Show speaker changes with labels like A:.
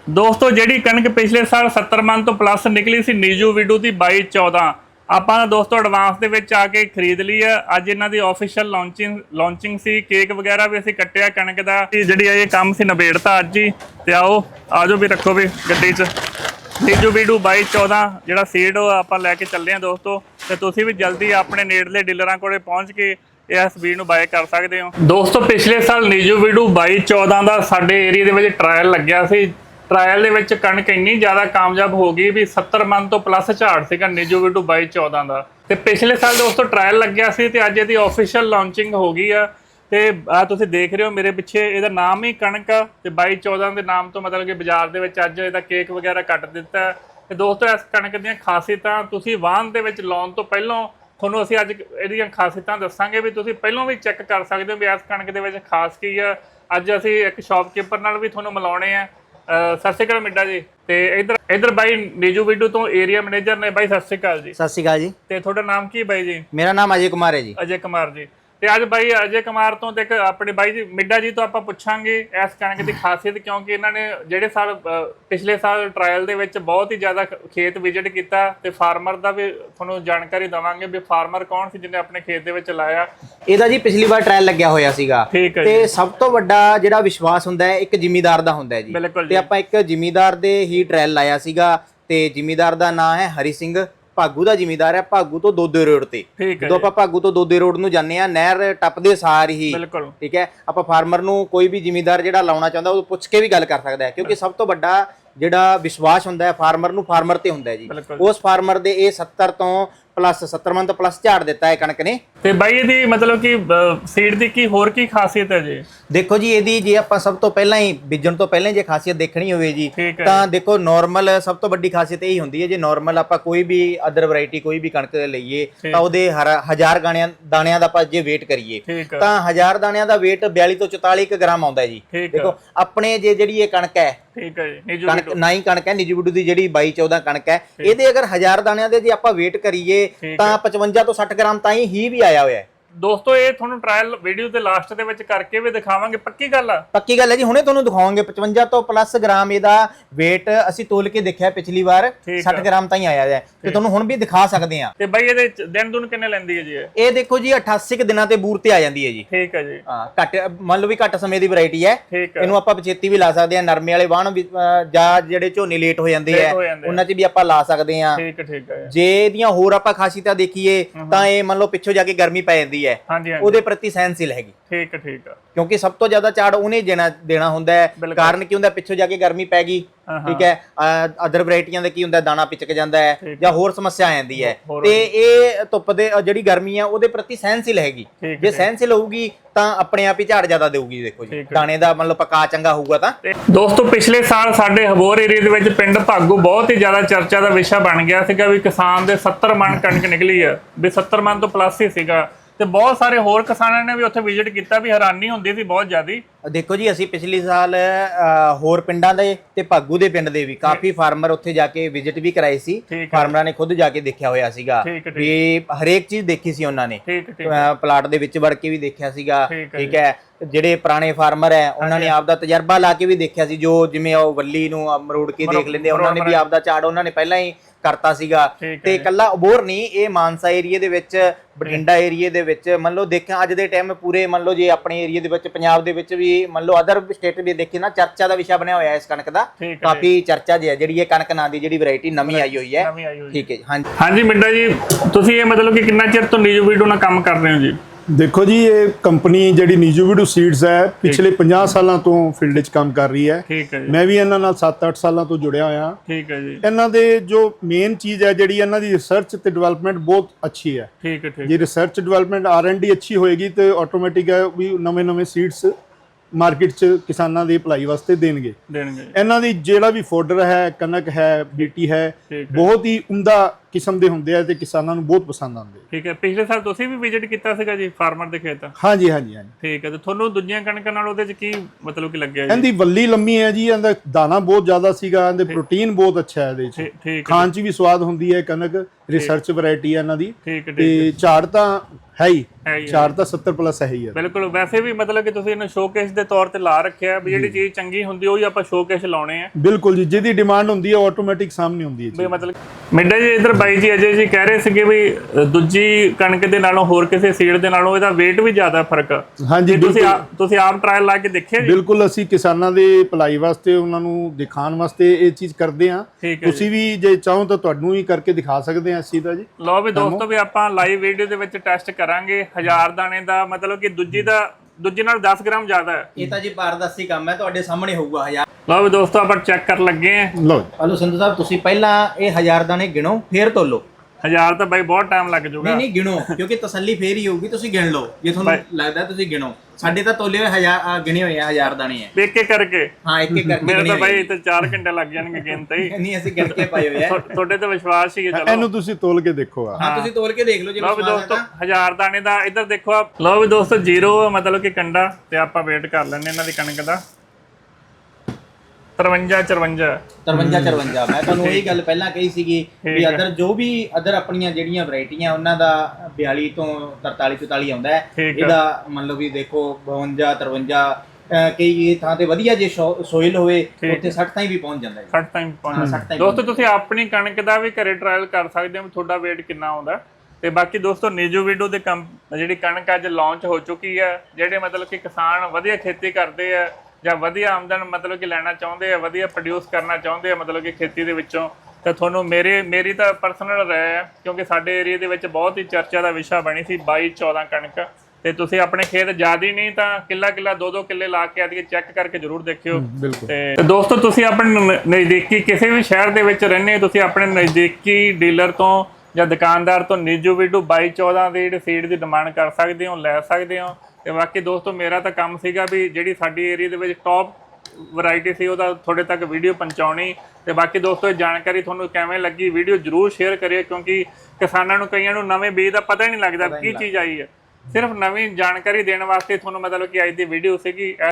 A: ਦੋਸਤੋ ਜਿਹੜੀ ਕਣਕ ਪਿਛਲੇ ਸਾਲ 70 ਮਣ ਤੋਂ ਪਲੱਸ ਨਿਕਲੀ ਸੀ ਨੀਜੂ ਵੀਡੂ ਦੀ 22-14 ਆਪਾਂ ਦੋਸਤੋ ਐਡਵਾਂਸ ਦੇ ਵਿੱਚ ਆ ਕੇ ਖਰੀਦ ਲਈ ਆ। ਅੱਜ ਇਹਨਾਂ ਦੀ ਆਫੀਸ਼ੀਅਲ ਲਾਂਚਿੰਗ ਸੀ। ਕੇਕ ਵਗੈਰਾ ਵੀ ਅਸੀਂ ਕੱਟਿਆ ਕਣਕ ਦਾ। ਜਿਹੜੀ ਇਹ ਕੰਮ ਸੀ ਨਿਬੇੜਤਾ ਅੱਜ ਹੀ। ਤੇ ਆਜੋ ਵੀ ਰੱਖੋ ਵੀ ਗੱਡੀ 'ਚ ਨੀਜੂ ਵੀਡੂ 22-14 ਜਿਹੜਾ ਸੀਡ ਆਪਾਂ ਲੈ ਕੇ ਚੱਲੇ ਆ ਦੋਸਤੋ। ਤੇ ਤੁਸੀਂ ਵੀ ਜਲਦੀ ਆਪਣੇ ਨੇੜਲੇ ਡੀਲਰਾਂ ਕੋਲੇ ਪਹੁੰਚ ਕੇ ਇਸ ਬੀਜ ਨੂੰ ਬਾਏ ਕਰ ਸਕਦੇ ਹੋ। ਦੋਸਤੋ ਪਿਛਲੇ ਸਾਲ ਨੀਜੂ ਵੀਡੂ 22-14 ਦਾ ਸਾਡੇ ਏਰੀਆ ਦੇ ਵਿੱਚ ਟ੍ਰਾਇਲ ਲੱਗਿਆ ਸੀ। ਟ੍ਰਾਇਲ ਦੇ ਵਿੱਚ ਕਣਕ ਇੰਨੀ ਜ਼ਿਆਦਾ ਕਾਮਯਾਬ ਹੋ ਗਈ ਵੀ 70 ਮਣ ਤੋਂ ਪਲੱਸ ਝਾੜ ਸੀਗਾ ਨੀਜੂ ਵੀਡੂ 22-14 ਦਾ। ਤੇ ਪਿਛਲੇ ਸਾਲ ਦੋਸਤੋ ਟ੍ਰਾਇਲ ਲੱਗਿਆ ਸੀ ਤੇ ਅੱਜ ਇਹਦੀ ਆਫੀਸ਼ੀਅਲ ਲਾਂਚਿੰਗ ਹੋ ਗਈ ਆ। ਤੇ ਆ ਤੁਸੀਂ ਦੇਖ ਰਹੇ ਹੋ ਮੇਰੇ ਪਿੱਛੇ ਇਹਦਾ ਨਾਮ ਹੀ ਕਣਕ ਆ ਤੇ 22-14 ਦੇ ਨਾਮ ਤੋਂ ਮਤਲਬ ਕਿ ਬਾਜ਼ਾਰ ਦੇ ਵਿੱਚ ਅੱਜ ਇਹਦਾ ਕੇਕ ਵਗੈਰਾ ਕੱਟ ਦਿੱਤਾ। ਤੇ ਦੋਸਤੋ ਇਸ ਕਣਕ ਦੀਆਂ ਖਾਸੀਅਤਾਂ ਤੁਸੀਂ ਵਾਹਨ ਦੇ ਵਿੱਚ ਲਾਉਣ ਤੋਂ ਪਹਿਲਾਂ ਤੁਹਾਨੂੰ ਅਸੀਂ ਅੱਜ ਇਹਦੀਆਂ ਖਾਸੀਅਤਾਂ ਦੱਸਾਂਗੇ ਵੀ ਤੁਸੀਂ ਪਹਿਲਾਂ ਵੀ ਚੈੱਕ ਕਰ ਸਕਦੇ ਹੋ ਵੀ ਇਸ ਕਣਕ ਦੇ ਵਿੱਚ ਖਾਸ ਕੀ ਆ। ਅੱਜ ਅਸੀਂ ਇੱਕ ਸ਼ਾਪਕੀਪਰ ਨਾਲ ਵੀ ਤੁਹਾਨੂੰ ਮਿਲਾਉਣੇ ਆ। ਸਤਿ ਸ਼੍ਰੀ ਅਕਾਲ ਮਿੱਡਾ ਜੀ। ਤੇ ਇਧਰ ਬਾਈ ਨੀਜੂ ਵੀਡੂ ਤੋਂ ਏਰੀਆ ਮੈਨੇਜਰ ਨੇ। ਬਾਈ ਸਤਿ ਸ਼੍ਰੀ ਅਕਾਲ ਜੀ।
B: ਸਤਿ ਸ਼੍ਰੀ ਅਕਾਲ ਜੀ।
A: ਤੇ ਤੁਹਾਡਾ ਨਾਮ ਕੀ ਬਾਈ ਜੀ?
B: ਮੇਰਾ ਨਾਮ ਅਜੇ ਕੁਮਾਰ ਹੈ ਜੀ।
A: ਅਜੇ ਕੁਮਾਰ ਜੀ। ਤੇ ਅੱਜ ਬਾਈ ਅਜੇ ਕੁਮਾਰ ਤੋਂ ਤੇ ਆਪਣੇ ਬਾਈ ਜੀ ਮਿੱਡਾ ਜੀ ਤੋਂ ਆਪਾਂ ਪੁੱਛਾਂਗੇ ਇਸ ਕਣਕ ਦੀ ਖਾਸੀਅਤ, ਕਿਉਂਕਿ ਇਹਨਾਂ ਨੇ ਜਿਹੜੇ ਸਾਲ ਪਿਛਲੇ ਸਾਲ ਟ੍ਰਾਇਲ ਦੇ ਵਿੱਚ ਬਹੁਤ ਹੀ ਜ਼ਿਆਦਾ ਖੇਤ ਵਿਜ਼ਿਟ ਕੀਤਾ ਤੇ ਫਾਰਮਰ ਦਾ ਵੀ ਤੁਹਾਨੂੰ ਜਾਣਕਾਰੀ ਦੇਵਾਂਗੇ ਵੀ ਫਾਰਮਰ ਕੌਣ ਸੀ ਜਿਹਨੇ ਆਪਣੇ ਖੇਤ ਦੇ ਵਿੱਚ ਲਾਇਆ।
B: ਇਹਦਾ ਜੀ ਪਿਛਲੀ ਵਾਰ ਟ੍ਰਾਇਲ ਲੱਗਿਆ ਹੋਇਆ ਸੀਗਾ ਤੇ ਸਭ ਤੋਂ ਵੱਡਾ ਜਿਹੜਾ ਵਿਸ਼ਵਾਸ ਹੁੰਦਾ ਹੈ ਇੱਕ ਜ਼ਿਮੀਂਦਾਰ ਦਾ ਹੁੰਦਾ ਹੈ ਜੀ। ਤੇ ਆਪਾਂ ਇੱਕ ਜ਼ਿਮੀਂਦਾਰ ਦੇ ਹੀ ਟ੍ਰਾਇਲ ਲਾਇਆ ਸੀਗਾ ਤੇ ਜ਼ਿਮੀਂਦਾਰ ਦਾ ਨਾਮ ਹੈ ਹਰੀ ਸਿੰਘ। ਭਾਗੂ ਦਾ ਜ਼ਿਮੀਂਦਾਰ ਹੈ, ਭਾਗੂ ਤੋਂ ਦੋਦੇ ਰੋਡ ਤੇ। ਜਦੋਂ ਆਪਾਂ ਭਾਗੂ ਤੋਂ ਦੋਦੇ ਰੋਡ ਨੂੰ ਜਾਂਦੇ ਆ ਨਹਿਰ ਟੱਪਦੇ ਸਾਰ ਹੀ ਠੀਕ ਹੈ ਆਪਾਂ ਫਾਰਮਰ ਨੂੰ ਕੋਈ ਵੀ ਜ਼ਿਮੀਂਦਾਰ ਜਿਹੜਾ ਲਾਉਣਾ ਚਾਹੁੰਦਾ ਉਹ ਪੁੱਛ ਕੇ ਵੀ ਗੱਲ ਕਰ ਸਕਦਾ ਹੈ, ਕਿਉਂਕਿ ਸਭ ਤੋਂ ਵੱਡਾ ਜਿਹੜਾ ਵਿਸ਼ਵਾਸ ਹੁੰਦਾ ਹੈ ਫਾਰਮਰ ਨੂੰ ਫਾਰਮਰ ਤੇ ਹੁੰਦਾ ਹੈ ਜੀ। ਉਸ ਫਾਰਮਰ ਦੇ ਇਹ 70 ਤੋਂ ਪਲੱਸ 70 ਮਣ ਤੋਂ ਪਲੱਸ ਝਾੜ ਦਿੱਤਾ ਹੈ ਕਣਕ ਨੇ।
A: ਤੇ ਬਾਈ ਇਹਦੀ ਮਤਲਬ ਕਿ ਸੀਡ ਦੀ ਕੀ ਹੋਰ ਕੀ ਖਾਸੀਅਤ ਹੈ ਜੀ?
B: ਦੇਖੋ ਜੀ ਇਹਦੀ ਜੇ ਆਪਾਂ ਸਭ ਤੋਂ ਪਹਿਲਾਂ ਹੀ ਬੀਜਣ ਤੋਂ ਪਹਿਲਾਂ ਜੇ ਖਾਸੀਅਤ ਦੇਖਣੀ ਹੋਵੇ ਜੀ ਤਾਂ ਦੇਖੋ ਨਾਰਮਲ ਸਭ ਤੋਂ ਵੱਡੀ ਖਾਸੀਅਤ ਇਹੀ ਹੁੰਦੀ ਹੈ ਜੇ ਨਾਰਮਲ ਆਪਾਂ ਕੋਈ ਵੀ ਅਦਰ ਵੈਰਾਈਟੀ ਕੋਈ ਵੀ ਕਣਕ ਲਈਏ ਤਾਂ ਉਹਦੇ 1000 ਦਾਣਿਆਂ ਦਾ ਆਪਾਂ ਜੇ weight ਕਰੀਏ ਤਾਂ 1000 ਦਾਣਿਆਂ ਦਾ weight 42 ਤੋਂ 44 ਗ੍ਰਾਮ ਆਉਂਦਾ ਜੀ। ਦੇਖੋ ਆਪਣੇ ਜਿਹੜੀ ਇਹ ਕਣਕ ਹੈ
A: ਠੀਕ ਹੈ ਜੀ
B: ਕਣਕ ਨਾਈ ਕਣਕ ਹੈ ਨੀਜੂ ਵੀਡੂ ਦੀ ਜਿਹੜੀ 22-14 ਕਣਕ ਹੈ ਇਹਦੇ ਅਗਰ 1000 ਦਾਣਿਆਂ ਦੇ ਜੇ ਆਪਾਂ weight ਕਰੀਏ ਤਾਂ 55 ਤੋਂ 60 ਗ੍ਰਾਮ ਤਾਂ ਹੀ ਵੀ ਆਇਆ ਹੋਇਆ ਹੈ।
A: ਦੋਸਤੋ ਇਹ ਤੁਹਾਨੂੰ ਟ੍ਰਾਇਲ ਵੀਡੀਓ ਦੇ ਲਾਸਟ ਦੇ ਵਿੱਚ ਕਰਕੇ ਵੀ ਦਿਖਾਵਾਂਗੇ। ਪੱਕੀ ਗੱਲ ਆ? ਪੱਕੀ
B: ਗੱਲ ਹੈ ਜੀ। ਹੁਣੇ ਤੁਹਾਨੂੰ ਦਿਖਾਵਾਂਗੇ 55 ਤੋਂ ਪਲੱਸ ਗ੍ਰਾਮ ਇਹਦਾ weight ਅਸੀਂ ਤੋਲ ਕੇ ਦੇਖਿਆ ਪਿਛਲੀ ਵਾਰ 60 ਗ੍ਰਾਮ ਤਾਂ ਹੀ ਆਇਆ ਹੈ ਤੇ ਤੁਹਾਨੂੰ ਹੁਣ ਵੀ ਦਿਖਾ ਸਕਦੇ ਆ।
A: ਤੇ ਬਾਈ ਇਹਦੇ ਦਿਨ ਦੁਨ ਕਿੰਨੇ ਲੈਂਦੀ ਹੈ ਜੀ? ਇਹ
B: ਦੇਖੋ ਜੀ 88 ਦਿਨਾਂ ਤੇ ਬੂਰ ਤੇ ਆ ਜਾਂਦੀ ਹੈ ਜੀ।
A: ਠੀਕ ਹੈ ਜੀ।
B: ਹਾਂ ਘੱਟ ਮੰਨ ਲਓ ਵੀ ਘੱਟ ਸਮੇਂ ਦੀ ਵੈਰਾਈਟੀ ਹੈ। ਇਹਨੂੰ ਆਪਾਂ ਪਛੇਤੀ ਵੀ ਲਾ ਸਕਦੇ ਆ। ਨਰਮੇ ਵਾਲੇ ਵਾਹਣ ਜਾਂ ਜਿਹੜੇ ਝੋਨੇ ਲੇਟ ਹੋ ਜਾਂਦੇ ਆ ਉਹਨਾਂ 'ਚ ਵੀ ਆਪਾਂ ਲਾ ਸਕਦੇ ਆ।
A: ਠੀਕ ਹੈ।
B: ਜੇ ਇਹਦੀਆਂ ਹੋਰ ਆਪਾਂ ਖਾਸੀਅਤਾਂ ਦੇਖੀਏ ਤਾਂ ਇਹ ਮੰਨ ਲਓ ਪਿੱਛੋਂ ਜਾ ਕੇ ਗਰਮੀ ਪੈ ਜਾਂਦੀ ਹੈ ਉਹਦੇ ਪ੍ਰਤੀ ਸਹਿਨਸ਼ੀਲ ਹੈਗੀ।
A: ਠੀਕ ਹੈ।
B: ਕਿਉਂਕਿ ਸਭ ਤੋਂ ਜ਼ਿਆਦਾ ਝਾੜ ਉਹਨੇ ਦੇਣਾ ਹੁੰਦਾ ਹੈ। ਕਾਰਨ ਕੀ ਹੁੰਦਾ ਪਿੱਛੋਂ ਜਾ ਕੇ ਗਰਮੀ ਪੈ ਗਈ ਠੀਕ ਹੈ। ਅਦਰ ਵੈਰਾਈਟੀਆਂ ਦਾ ਕੀ ਹੁੰਦਾ ਦਾਣਾ ਪਿਚਕ ਜਾਂਦਾ ਹੈ ਜਾਂ ਹੋਰ ਸਮੱਸਿਆ ਆ ਜਾਂਦੀ ਹੈ ਤੇ ਇਹ ਧੁੱਪ ਦੇ ਜਿਹੜੀ ਗਰਮੀ ਆ ਉਹਦੇ ਪ੍ਰਤੀ ਸਹਿਨਸ਼ੀਲ ਹੈਗੀ। ਜੇ ਸਹਿਨਸ਼ੀਲ ਹੋਊਗੀ ਤਾਂ ਆਪਣੇ ਆਪ ਹੀ ਝਾੜ ਜ਼ਿਆਦਾ ਦੇਊਗੀ। ਦੇਖੋ ਜੀ ਦਾਣੇ ਦਾ ਮਤਲਬ ਪਕਾ ਚੰਗਾ ਹੋਊਗਾ ਤਾਂ।
A: ਦੋਸਤੋ ਪਿਛਲੇ ਸਾਲ ਸਾਡੇ ਹਬੋਰ ਏਰੀਆ ਦੇ ਵਿੱਚ ਪਿੰਡ ਭਾਗੂ ਬਹੁਤ ਹੀ ਜ਼ਿਆਦਾ ਚਰਚਾ ਦਾ ਵਿਸ਼ਾ ਬਣ ਗਿਆ ਸੀਗਾ ਵੀ ਕਿਸਾਨ ਦੇ 70 ਮਣ ਕਣਕ ਨਿਕਲੀ ਆ ਵੀ 70 ਮਣ ਤੋਂ ਪਲੱਸ ਹੀ ਸੀਗਾ ਤੇ ਬਹੁਤ ਸਾਰੇ ਹੋਰ ਕਿਸਾਨਾਂ ਨੇ ਵੀ ਉੱਥੇ ਵਿਜ਼ਿਟ ਕੀਤਾ ਵੀ ਹੈਰਾਨੀ ਹੁੰਦੀ ਸੀ ਬਹੁਤ ਜ਼ਿਆਦੀ।
B: ਦੇਖੋ ਜੀ ਅਸੀਂ ਪਿਛਲੇ ਸਾਲ ਹੋਰ ਪਿੰਡਾਂ ਦੇ ਤੇ ਭਾਗੂ ਦੇ ਪਿੰਡ ਦੇ ਵੀ ਕਾਫੀ ਫਾਰਮਰ ਉੱਥੇ ਜਾ ਕੇ ਵਿਜ਼ਿਟ ਵੀ ਕਰਾਈ ਸੀ। ਫਾਰਮਰਾਂ ਨੇ ਖੁਦ ਜਾ ਕੇ ਦੇਖਿਆ ਹੋਇਆ ਸੀਗਾ ਵੀ ਹਰੇਕ ਚੀਜ਼ ਦੇਖੀ ਸੀ ਉਹਨਾਂ ਨੇ। ਪਲਾਟ ਦੇ ਵਿੱਚ ਵੜ ਕੇ ਵੀ ਦੇਖਿਆ ਸੀਗਾ ਠੀਕ ਹੈ। ਜਿਹੜੇ ਪੁਰਾਣੇ ਫਾਰਮਰ ਹੈ ਉਹਨਾਂ ਨੇ ਆਪ ਦਾ ਤਜਰਬਾ ਲਾ ਕੇ ਵੀ ਦੇਖਿਆ ਸੀ। ਜੋ ਜਿਵੇਂ ਉਹ ਵੱਲੀ ਨੂੰ ਮਰੋੜ ਕੇ ਦੇਖ ਲੈਂਦੇ ਉਹਨਾਂ ਨੇ ਵੀ ਆਪ ਦਾ ਝਾੜ ਉਹਨਾਂ ਨੇ ਪਹਿਲਾਂ ਹੀ ਕਰਤਾ ਸੀਗਾ। ਤੇ ਇਕੱਲਾ ਅਬੋਹਰ ਨਹੀਂ ਇਹ ਮਾਨਸਾ ਏਰੀਏ ਦੇ ਵਿੱਚ ਬਠਿੰਡਾ ਏਰੀਏ ਦੇ ਵਿੱਚ ਮੰਨ ਲਓ ਦੇਖਿਆ ਅੱਜ ਦੇ ਟਾਈਮ ਪੂਰੇ ਮੰਨ ਲਓ ਜੇ ਆਪਣੇ ਏਰੀਏ ਦੇ ਵਿੱਚ ਪੰਜਾਬ ਦੇ ਵਿੱਚ ਵੀ ਮੰਨ ਲਓ ਅਦਰ ਸਟੇਟ ਵੀ ਦੇਖੇ ਨਾ ਚਰਚਾ ਦਾ ਵਿਸ਼ਾ ਬਣਿਆ ਹੋਇਆ ਇਸ ਕਣਕ ਦਾ। ਕਾਫੀ ਚਰਚਾ ਜੀ ਹੈ ਜਿਹੜੀ ਇਹ ਕਣਕ ਨਾਂ ਦੀ ਜਿਹੜੀ ਵੈਰਾਈਟੀ ਨਵੀਂ ਆਈ ਹੋਈ ਹੈ। ਠੀਕ ਹੈ ਜੀ। ਹਾਂਜੀ
A: ਮਿੰਡਾ ਜੀ ਤੁਸੀਂ ਇਹ ਮਤਲਬ ਕਿ ਕਿੰਨਾ ਚਿਰ ਤੋਂ ਨੀਜੂ ਵੀਡੂ ਨਾਲ ਕੰਮ ਕਰ ਰਹੇ ਹੋ ਜੀ?
C: ਦੇਖੋ ਜੀ ਇਹ ਕੰਪਨੀ ਜਿਹੜੀ ਨੀਜੂ ਵੀਡੂ ਸੀਡਸ ਹੈ ਪਿਛਲੇ 50 ਸਾਲਾਂ ਤੋਂ ਫੀਲਡ 'ਚ ਕੰਮ ਕਰ ਰਹੀ ਹੈ। ਮੈਂ ਵੀ ਇਹਨਾਂ ਨਾਲ 7-8 ਸਾਲਾਂ ਤੋਂ ਜੁੜਿਆ ਹੋਇਆ।
A: ਠੀਕ ਹੈ ਜੀ।
C: ਇਹਨਾਂ ਦੇ ਜੋ ਮੇਨ ਚੀਜ਼ ਹੈ ਜਿਹੜੀ ਇਹਨਾਂ ਦੀ ਰਿਸਰਚ ਤੇ ਡਿਵੈਲਪਮੈਂਟ ਬਹੁਤ ਅੱਛੀ ਹੈ।
A: ਠੀਕ ਹੈ।
C: ਜੇ ਰਿਸਰਚ ਡਿਵੈਲਪਮੈਂਟ R&D ਅੱਛੀ ਹੋਏਗੀ ਤੇ ਆਟੋਮੈਟਿਕ ਹੈ ਵੀ ਨਵੇਂ ਸੀਡਸ ਮਾਰਕੀਟ 'ਚ ਕਿਸਾਨਾਂ ਦੀ ਅਪਲਾਈ ਵਾਸਤੇ ਦੇਣਗੇ। ਇਹਨਾਂ ਦੀ ਜਿਹੜਾ ਵੀ ਫੋਡਰ ਹੈ ਕਣਕ ਹੈ BT ਹੈ ਬਹੁਤ ਹੀ ਉਮਦਾ ਕਿਸਮ ਦੇ ਹੁੰਦੇ ਆ ਤੇ ਕਿਸਾਨਾਂ ਨੂੰ ਬਹੁਤ ਪਸੰਦ ਆਉਂਦੇ।
A: ਠੀਕ ਹੈ, ਪਿਛਲੇ ਸਾਲ ਤੁਸੀਂ ਵੀ ਵਿਜ਼ਿਟ ਕੀਤਾ ਸੀਗਾ ਜੀ ਫਾਰਮਰ ਦੇ ਖੇਤ?
C: ਹਾਂਜੀ ਹਾਂਜੀ ਹਾਂਜੀ।
A: ਠੀਕ ਹੈ, ਤੇ ਤੁਹਾਨੂੰ ਦੂਜੀਆਂ ਕਣਕਾਂ ਨਾਲ ਉਹਦੇ ਚ ਕੀ ਮਤਲਬ ਕਿ ਲੱਗਿਆ ਜੀ?
C: ਇਹਦੀ ਵੱਲੀ ਲੰਮੀ ਹੈ ਜੀ, ਇਹਦਾ ਦਾਣਾ ਬਹੁਤ ਜ਼ਿਆਦਾ ਸੀਗਾ, ਇਹਦੇ ਪ੍ਰੋਟੀਨ ਬਹੁਤ ਅੱਛਾ ਹੈ ਇਹਦੇ ਚ,
A: ਠੀਕ
C: ਖਾਣ ਚ ਵੀ ਸਵਾਦ ਹੁੰਦੀ ਹੈ ਕਣਕ, ਰਿਸਰਚ ਵੈਰਾਈਟੀ ਹੈ ਇਹਨਾਂ ਦੀ।
A: ਠੀਕ
C: ਤੇ ਝਾੜ ਤਾਂ ਹੈ ਹੀ, ਝਾੜ ਤਾਂ 70 ਪਲੱਸ ਹੈ ਹੀ ਹੈ।
A: ਬਿਲਕੁਲ, ਵੈਸੇ ਵੀ ਮਤਲਬ ਕਿ ਤੁਸੀਂ ਇਹਨੂੰ ਸ਼ੋਕੇਸ ਦੇ ਤੌਰ ਤੇ ਲਾ ਰੱਖਿਆ ਵੀ ਜਿਹੜੀ ਚੀਜ਼ ਚੰਗੀ ਹੁੰਦੀ ਉਹੀ ਆਪਾਂ ਸ਼ੋਕੇਸ ਲਾਉਣੇ ਆ।
C: ਬਿਲਕੁਲ ਜੀ, ਜਿਹਦੀ ਡਿਮਾਂਡ ਹੁੰਦੀ ਹੈ ਆਟੋਮੈਟਿਕ ਸਾਹਮਣੇ ਹੁੰਦੀ ਹੈ
A: ਵੀ ਮਤਲਬ ਮਿੱਡਾ ਜੀ ਇਧਰ ਬਾਈ ਜੀ ਅਜੇ ਜੀ ਕਹਿ ਰਹੇ ਸੀਗੇ ਵੀ ਦੂਜੀ ਕਣਕ ਦੇ ਨਾਲੋਂ ਹੋਰ ਕਿਸੇ ਸੀਡ ਦੇ ਨਾਲੋਂ ਇਹਦਾ weight ਵੀ ਜ਼ਿਆਦਾ ਫਰਕ ਆ।
C: ਹਾਂਜੀ,
A: ਤੁਸੀਂ ਆਪ ਟ੍ਰਾਇਲ ਲਾ ਕੇ ਦੇਖਿਆ ਜੀ?
C: ਬਿਲਕੁਲ, ਅਸੀਂ ਕਿਸਾਨਾਂ ਦੇ ਭਲਾਈ ਵਾਸਤੇ, ਉਹਨਾਂ ਨੂੰ ਦਿਖਾਉਣ ਵਾਸਤੇ ਇਹ ਚੀਜ਼ ਕਰਦੇ ਹਾਂ। ਤੁਸੀਂ ਵੀ ਜੇ ਚਾਹੋ ਤਾਂ ਤੁਹਾਨੂੰ ਵੀ ਕਰਕੇ ਦਿਖਾ ਸਕਦੇ ਹਾਂ ਅਸੀਂ ਤਾਂ ਜੀ।
A: ਲਓ ਵੀ ਦੋਸਤੋ, ਵੀ ਆਪਾਂ ਲਾਈਵ ਵੀਡੀਓ ਦੇ ਵਿੱਚ ਟੈਸਟ ਕਰਾਂਗੇ 1000 ਦਾਣੇ ਦਾ, ਮਤਲਬ ਕਿ ਦੂਜੀ ਨਾਲ 10 ਗ੍ਰਾਮ ਜ਼ਿਆਦਾ ਹੈ।
B: ਇਹ ਤਾਂ ਜੀ ਪਾਰਦਰਸ਼ੀ ਕੰਮ ਹੈ, ਤੁਹਾਡੇ ਸਾਹਮਣੇ ਹੋਊਗਾ 1000।
A: ਲਓ ਵੀ ਦੋਸਤੋ, ਆਪਾਂ ਚੈੱਕ ਕਰਨ ਲੱਗੇ ਆਂ।
B: ਹਲੋ ਸੰਧੂ ਸਾਹਿਬ, ਤੁਸੀਂ ਪਹਿਲਾਂ ਇਹ 1000 ਦਾਣੇ ਗਿਣੋ, ਫੇਰ ਤੋਲੋ।
A: 1000 ਤਾਂ ਬਾਈ ਬਹੁਤ ਟਾਈਮ ਲੱਗ ਜਾਊਗਾ।
B: ਨਹੀਂ ਗਿਣੋ, ਕਿਉਂਕਿ ਤਸੱਲੀ ਫੇਰ ਹੀ ਹੋਊਗੀ। ਤੁਸੀਂ ਗਿਣ ਲਓ ਜੇ ਤੁਹਾਨੂੰ ਲੱਗਦਾ, ਤੁਸੀਂ ਗਿਣੋ। ਸਾਡੇ ਤਾਂ ਤੋਲੇ ਹੋਏ 1000 ਗਿਣੇ ਹੋਏ ਆ, 1000 ਦਾਣੇ ਆ
A: ਇੱਕ ਇੱਕ ਕਰਕੇ।
B: ਹਾਂ, ਇੱਕ ਇੱਕ ਕਰਕੇ।
A: ਮੇਰੇ ਤਾਂ ਬਾਈ ਇੱਥੇ 4 ਘੰਟੇ ਲੱਗ ਜਾਣਗੇ ਗਿਣਤੇ ਹੀ।
B: ਨਹੀਂ, ਅਸੀਂ ਗਿਣ ਕੇ ਪਾਏ ਹੋਏ ਆ।
A: ਤੁਹਾਡੇ ਤੇ ਵਿਸ਼ਵਾਸ ਹੀ ਹੈ। ਚਲੋ
C: ਇਹਨੂੰ ਤੁਸੀਂ ਤੋਲ ਕੇ ਦੇਖੋ।
B: ਹਾਂ, ਤੁਸੀਂ ਤੋਲ ਕੇ ਦੇਖ ਲਓ ਜੇ
A: ਲਓ ਵੀ ਦੋਸਤੋ, 1000 ਦਾਣੇ ਦਾ ਇੱਧਰ ਦੇਖੋ। ਲਓ ਵੀ ਦੋਸਤੋ, 0 ਮਤਲਬ ਕਿ ਕੰਡਾ, ਤੇ ਆਪਾਂ ਵੇਟ ਕਰ ਲੈਣੇ ਇਹਨਾਂ ਦੀ ਕਣਕ ਦਾ। 53 54।
B: ਮੈਂ ਤੁਹਾਨੂੰ ਇਹੀ ਗੱਲ ਪਹਿਲਾਂ ਕਹੀ ਸੀਗੀ ਵੀ ਅਦਰ ਆਪਣੀਆਂ ਜਿਹੜੀਆਂ ਵੈਰਾਈਟੀਆਂ ਉਹਨਾਂ ਦਾ 42 ਤੋਂ 43 44 ਆਉਂਦਾ ਹੈ। ਇਹਦਾ ਮੰਨ ਲਓ ਵੀ ਦੇਖੋ 52 53, ਕਈ ਥਾਂ ਤੇ ਵਧੀਆ ਜੇ ਸੋਇਲ ਹੋਵੇ ਉੱਥੇ 60 ਤਾਈਂ ਵੀ ਪਹੁੰਚ ਜਾਂਦਾ ਹੈ।
A: 60 ਤਾਈਂ ਪਹੁੰਚਦਾ। ਦੋਸਤੋ, ਤੁਸੀਂ ਆਪਣੀ ਕਣਕ ਦਾ ਵੀ ਘਰੇ ਟ੍ਰਾਇਲ ਕਰ ਸਕਦੇ ਹੋ ਤੁਹਾਡਾ weight ਕਿੰਨਾ ਆਉਂਦਾ। ਤੇ ਬਾਕੀ ਦੋਸਤੋ, ਨੀਜੂ ਵੀਡੋ ਦੇ ਜਿਹੜੀ ਕਣਕ ਅੱਜ ਲਾਂਚ ਹੋ ਚੁੱਕੀ ਹੈ, ਜਿਹੜੇ ਮਤਲਬ ਕਿ ਕਿਸਾਨ ਵਧੀਆ ਖੇਤੀ ਕਰਦੇ ਆ ਜਾਂ ਵਧੀਆ ਆਮਦਨ ਮਤਲਬ ਕਿ ਲੈਣਾ ਚਾਹੁੰਦੇ ਆ, ਵਧੀਆ ਪ੍ਰੋਡਿਊਸ ਕਰਨਾ ਚਾਹੁੰਦੇ ਆ ਮਤਲਬ ਕਿ ਖੇਤੀ ਦੇ ਵਿੱਚੋਂ, ਤਾਂ ਤੁਹਾਨੂੰ ਮੇਰੀ ਤਾਂ ਪਰਸਨਲ ਰਾਏ ਹੈ, ਕਿਉਂਕਿ ਸਾਡੇ ਏਰੀਆ ਦੇ ਵਿੱਚ ਬਹੁਤ ਹੀ ਚਰਚਾ ਦਾ ਵਿਸ਼ਾ ਬਣੀ ਸੀ 22-14 ਕਣਕ। ਤੇ ਤੁਸੀਂ ਆਪਣੇ ਖੇਤ ਜ਼ਿਆਦਾ ਹੀ ਨਹੀਂ ਤਾਂ ਕਿੱਲਾ 2-2 ਕਿੱਲੇ ਲਾ ਕੇ ਆਦਿ ਚੈੱਕ ਕਰਕੇ ਜ਼ਰੂਰ ਦੇਖਿਓ। ਤੇ ਦੋਸਤੋ, ਤੁਸੀਂ ਆਪਣੇ ਨਜ਼ਦੀਕੀ ਕਿਸੇ ਵੀ ਸ਼ਹਿਰ ਦੇ ਵਿੱਚ ਰਹਿੰਦੇ ਹੋ, ਤੁਸੀਂ ਆਪਣੇ ਨਜ਼ਦੀਕੀ ਡੀਲਰ ਤੋਂ ਜਾਂ ਦੁਕਾਨਦਾਰ ਤੋਂ ਨੀਜੂ ਵੀਡੂ 22-14 ਦੀ ਜਿਹੜੀ ਸੀਡ ਦੀ ਡਿਮਾਂਡ ਕਰ ਸਕਦੇ ਹੋ, ਲੈ ਸਕਦੇ ਹੋ। ਤੇ ਬਾਕੀ ਦੋਸਤੋ, ਮੇਰਾ ਤਾਂ ਕੰਮ ਸੀਗਾ ਵੀ ਜਿਹੜੀ ਸਾਡੀ ਏਰੀਆ ਦੇ ਵਿੱਚ ਟੌਪ ਵੈਰਾਈਟੀ ਸੀ ਉਹਦਾ ਤੁਹਾਡੇ ਤੱਕ ਵੀਡੀਓ ਪਹੁੰਚਾਉਣੀ। ਤੇ ਬਾਕੀ ਦੋਸਤੋ, ਇਹ ਜਾਣਕਾਰੀ ਤੁਹਾਨੂੰ ਕਿਵੇਂ ਲੱਗੀ, ਵੀਡੀਓ ਜ਼ਰੂਰ ਸ਼ੇਅਰ ਕਰਿਓ, ਕਿਉਂਕਿ ਕਿਸਾਨਾਂ ਨੂੰ ਕਈਆਂ ਨੂੰ ਨਵੇਂ ਬੀਜ ਦਾ ਪਤਾ ਹੀ ਨਹੀਂ ਲੱਗਦਾ ਕੀ ਚੀਜ਼ ਆਈ ਹੈ। ਸਿਰਫ ਨਵੀਂ ਜਾਣਕਾਰੀ ਦੇਣ ਵਾਸਤੇ ਤੁਹਾਨੂੰ ਮਤਲਬ ਕਿ ਅੱਜ ਦੀ ਵੀਡੀਓ ਸੀਗੀ।